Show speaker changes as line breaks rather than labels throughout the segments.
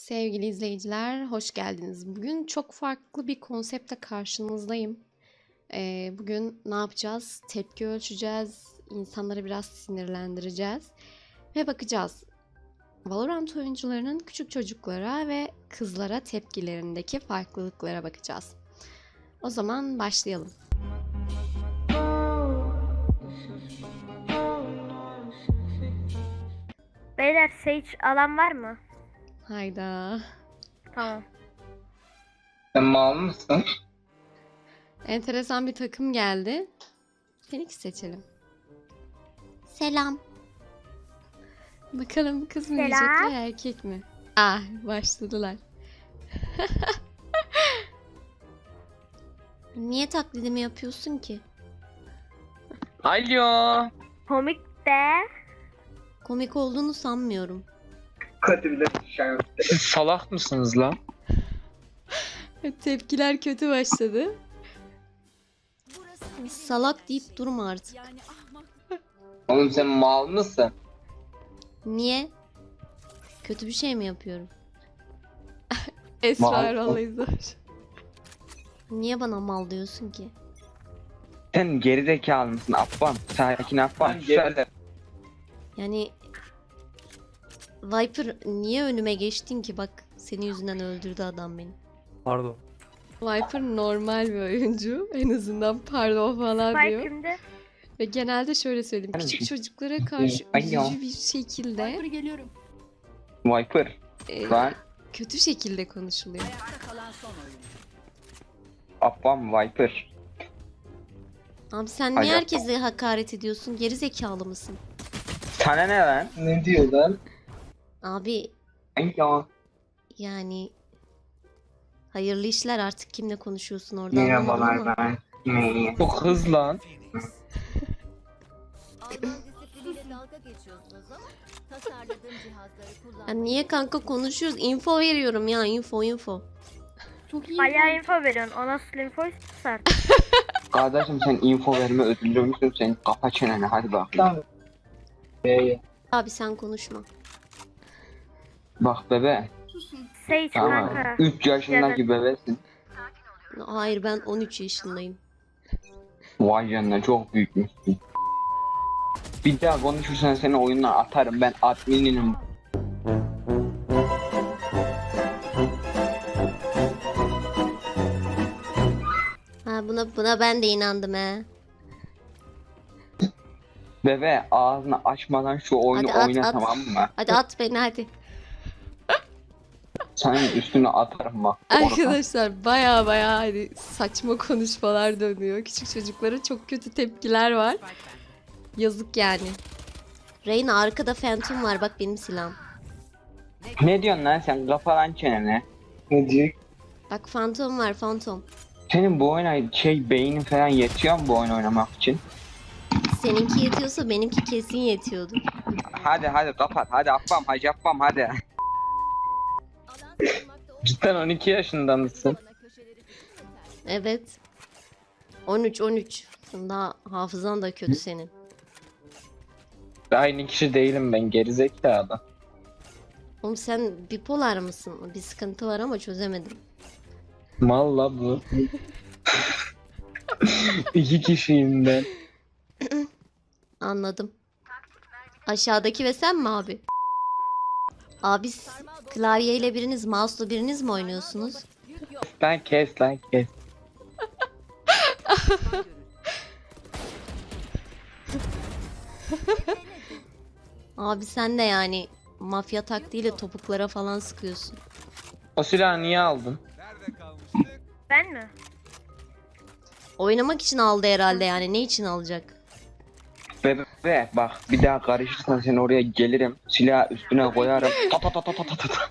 Sevgili izleyiciler, hoş geldiniz. Bugün çok farklı bir konsepte karşınızdayım. Bugün ne yapacağız? Tepki ölçeceğiz, insanları biraz sinirlendireceğiz ve bakacağız. Valorant oyuncularının küçük çocuklara ve kızlara tepkilerindeki farklılıklara bakacağız. O zaman başlayalım.
Beyler Sage alan var mı?
Hayda.
Tamam.
Sen mal mısın?
Enteresan bir takım geldi. Phoenix seçelim. Selam. Bakalım bu kız mı
Selam.
diyecekler erkek mi? Ah, başladılar. Niye taklidimi yapıyorsun ki?
Alo.
Komik de.
Komik olduğunu sanmıyorum.
Hadi bile Siz salak mısınız lan?
Tepkiler kötü başladı. Salak deyip durma artık.
Oğlum sen mal mısın?
Niye? Kötü bir şey mi yapıyorum? Esrar
Mal.
vallahi zor. Niye bana mal diyorsun ki?
Sen gerizekalı mısın Affan? Sakin Affan. Söyle.
Yani Viper niye önüme geçtin ki? Bak senin yüzünden öldürdü adam beni.
Pardon.
Viper normal bir oyuncu. En azından pardon falan
Spike
diyor.
kimde?
Ve genelde şöyle söyleyeyim.
Hani
Küçük
şey-
çocuklara karşı
Alo.
üzücü bir şekilde
Viper. Lan
kötü şekilde konuşuluyor.
Affan Viper.
Abi sen niye
Alo.
herkese hakaret ediyorsun? Geri zekalı mısın?
Sana ne lan? Ne diyor lan?
Abi
Alo.
yani hayırlı işler, artık kimle konuşuyorsun orada anlamadım ama.
ben. Bu kız lan.
Alman disipliniyle dalga geçiyorsunuz ama tasarladığım cihazları kullan.
Ya niye kanka konuşuyoruz? Info veriyorum ya, info.
Bayağı info veriyorsun. O nasıl info istiyorsan.
Kardeşim sen info verme ödüllü müsün? Sen kapa çeneni hadi bak. Tamam.
Abi sen konuşma.
Bak bebe.
Sage
Tamam.
kanka.
3 yaşındaki bebesin.
Hayır, ben 13 yaşındayım.
Vay canına çok büyükmüşsün. Bir daha konuşursan seni oyundan atarım, ben admininim.
Ha, buna ben de inandım he.
Bebe ağzını açmadan şu oyunu
Hadi at,
oyna
at.
tamam mı?
Hadi at beni hadi.
Senin üstüne atarım bak.
Arkadaşlar baya hani saçma konuşmalar dönüyor. Küçük çocuklara çok kötü tepkiler var. Yazık yani. Reyna, arkada Phantom var, bak benim silahım.
Ne diyorsun lan sen, kapa lan çeneni. Ne diyor?
Bak Phantom var, Phantom.
Senin bu oyuna beynin falan yetiyor mu bu oyun oynamak için?
Seninki yetiyorsa benimki kesin yetiyordu.
Hadi kapat, hadi affam, hacı affam hadi.
Alan tanımakta olduğu
Cidden 12 yaşında mısın?
bana köşeleri tutun yeter.
Evet. 13. Daha hafızan da kötü senin.
Aynı kişi değilim ben, gerizekalı.
Oğlum sen bipolar mısın? Bir sıkıntı var ama çözemedim.
Malla bu. 2 kişiyim ben.
Anladım. Aşağıdaki ve sen mi abi? Abi klavyeyle biriniz, mouse'la biriniz mi oynuyorsunuz?
Lan kes.
Abi sen de yani mafya taktiğiyle topuklara falan sıkıyorsun.
O silahı niye aldın?
Ben mi?
Oynamak için aldı herhalde, yani ne için alacak?
Bebe bak, bir daha karışırsan seni oraya gelirim. Silahı üstüne koyarım. Ta.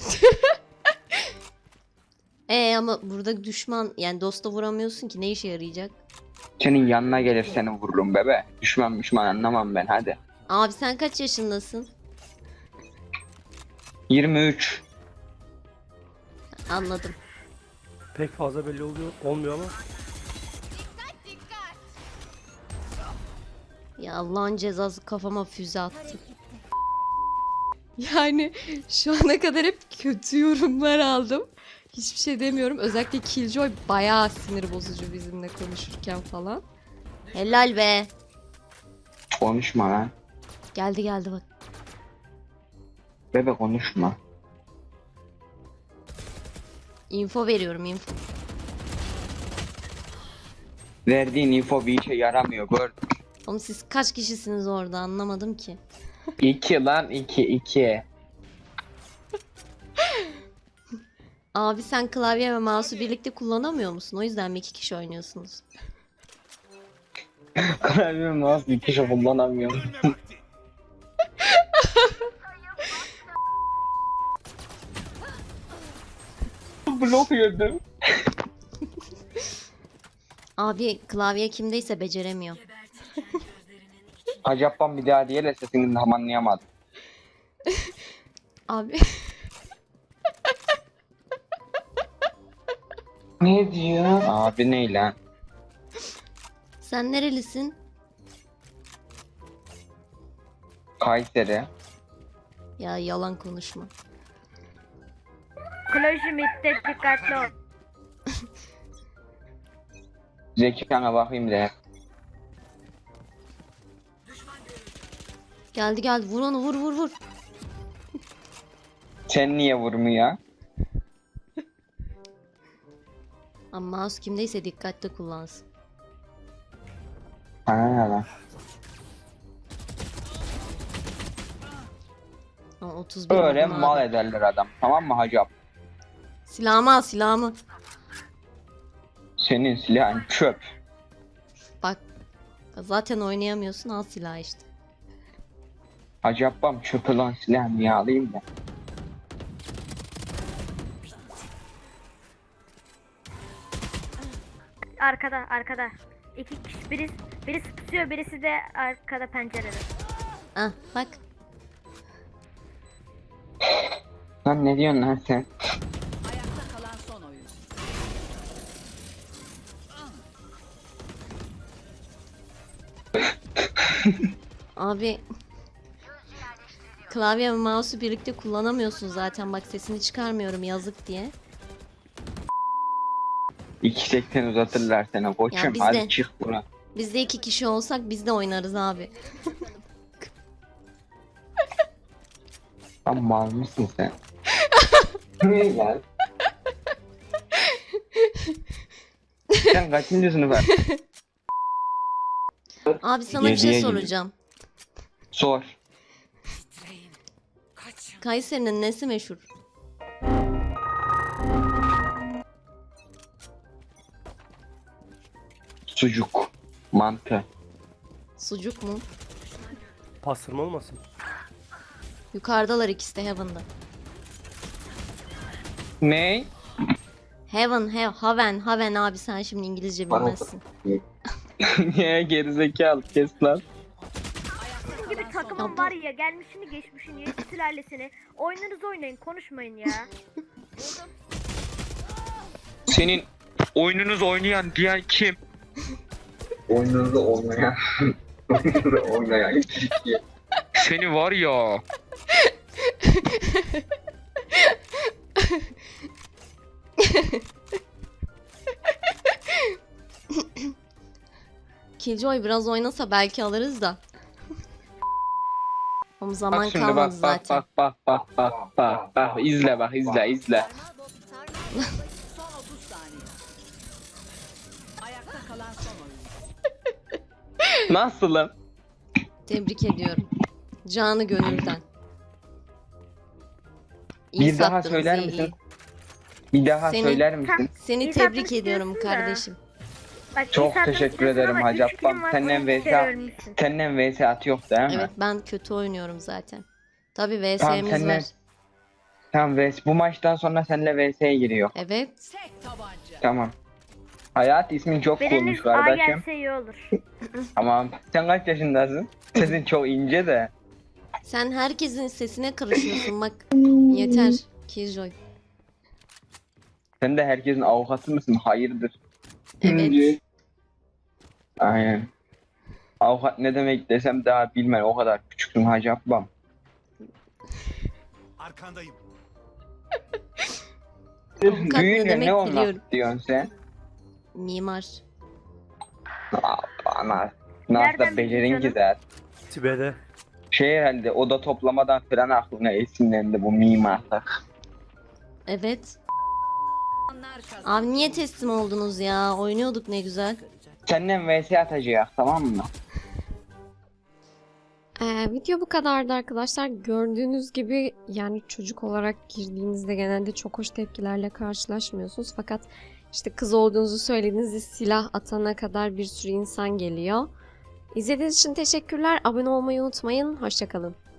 Ama burada düşman, yani dosta vuramıyorsun ki, ne işe yarayacak?
Senin yanına gelir seni vururum bebe. Düşman anlamam ben hadi.
Abi sen kaç yaşındasın?
23.
Anladım.
Pek fazla belli olmuyor ama
Ya Allah'ın cezası, kafama füze attı. Yani şu ana kadar hep kötü yorumlar aldım. Hiçbir şey demiyorum. Özellikle Killjoy bayağı sinir bozucu bizimle konuşurken falan. Helal be.
Konuşma lan.
Geldi geldi bak.
Bebe konuşma.
Info veriyorum info.
Verdiğin info bir işe yaramıyor. Gördüm.
Oğlum siz kaç kişisiniz orada anlamadım ki.
2 lan 2.
Abi sen klavye ve mouse'u birlikte kullanamıyor musun? O yüzden mi 2 kişi oynuyorsunuz?
Klavye mouse bir kişi kullanamıyorum. Blok yedim.
Abi klavye kimdeyse beceremiyor.
Acaptan bir daha diye de sesini tam anlayamadım.
Abi
Ne diyor? Abi ne lan?
sen nerelisin?
Kayseri.
Ya yalan konuşma.
Kloji midde dikkatli ol.
Zekana bakayım de.
Geldi geldi vur onu vur vur vur.
Sen niye vurmuyor?
Ama mouse kimdeyse dikkatli kullansın.
Sana ne lan?
Ha, 31
Öyle
vurdum
mal
abi.
ederler adam. Tamam mı hacap?
Silahımı al silahımı.
Senin silahın çöp.
Bak zaten oynayamıyorsun al silahı işte.
Hacapam çöpü lan silahını niye alayım da.
Arkada. İki kişi birisi tutuyor, birisi de arkada pencerede.
Ah bak.
Lan ne diyorsun lan sen?
Ayakta kalan son oyun.
Abi klavye ve mouse'u birlikte kullanamıyorsun zaten bak sesini çıkarmıyorum yazık diye.
2.80 uzatırlar sana koçum.
biz
Hadi
de.
çık buna.
Biz de 2 kişi olsak biz de oynarız abi.
Lan mal mısın sen? Ne lan? Sen kaçıncı sınıfa?
Abi sana bir şey
Yediye gidiyor.
soracağım.
Sor.
Kayseri'nin nesi meşhur?
Sucuk. Mantı.
Sucuk mu?
Pastırma olmasın?
Yukarıdalar ikisi de Heaven'da.
Ne?
Haven abi sen şimdi İngilizce bilmezsin.
Niye gerizekalı kes lan.
Sizin gibi takımın var ya, gelmişini geçmişini, yedi sülalesini. Oyunlarınızı oynayın, konuşmayın ya.
Senin oyununuz oynayan diğer kim? Oyununuzda olmayan. Oyununuzda olmayan kişi. Seni var ya.
Killjoy biraz oynasa belki alırız da. Ama zaman
Bak şimdi
kalmadı
bak
zaten.
bak izle bak izle.
Sarmal son 30 saniye. Ayakta kalan son oyun.
Nasılım?
Tebrik ediyorum. Canı gönülden. İyi
Bir daha
sattınız,
söyler
iyi,
misin?
iyi.
Bir daha
Seni-
söyler misin?
Seni
İyi
tebrik
sattınız
ediyorum
diyorsun da.
kardeşim.
Bak,
Çok
iyi sattınız
teşekkür
diyorsun
ederim
ama
Hacı
üç kilim
Ablam.
var,
Senden
12 kere
vs
ölmüşsün.
senden vs at yok değil mi?
Evet ben kötü oynuyorum zaten. Tabii
Tamam,
VS'miz
seninle-
var.
Tamam vs bu maçtan sonra seninle vs'ye giriyor.
Evet.
Tek tabanca.
Tamam. Hayat ismin çok
Biriniz
coolmuş
A
kardeşim.
gelse iyi olur.
Tamam. Sen kaç yaşındasın? Sesin çok ince de.
Sen herkesin sesine karışıyorsun bak. Yeter Killjoy.
Sen de herkesin avukatı mısın? Hayırdır?
Evet.
Aynen. Avukat ne demek desem daha bilmem, o kadar küçüksün Hacı Ablam.
Arkandayım.
Avukat ne
Büyüyünce
demek
ne olmak
biliyorum.
istiyorsun sen?
Mimar.
Ana. Nasıl
Nereden
da becerin
bildin
ki
canım?
zaten.
Tibet'e.
Şey herhalde oda toplamadan falan aklına esinlendi bu mimarlık.
Evet. Abi niye teslim oldunuz ya? Oynuyorduk ne güzel.
Senden vs atacağız tamam mı?
Video bu kadardı arkadaşlar. Gördüğünüz gibi yani çocuk olarak girdiğinizde genelde çok hoş tepkilerle karşılaşmıyorsunuz. Fakat işte kız olduğunuzu söylediğinizde silah atana kadar bir sürü insan geliyor. İzlediğiniz için teşekkürler. Abone olmayı unutmayın. Hoşça kalın.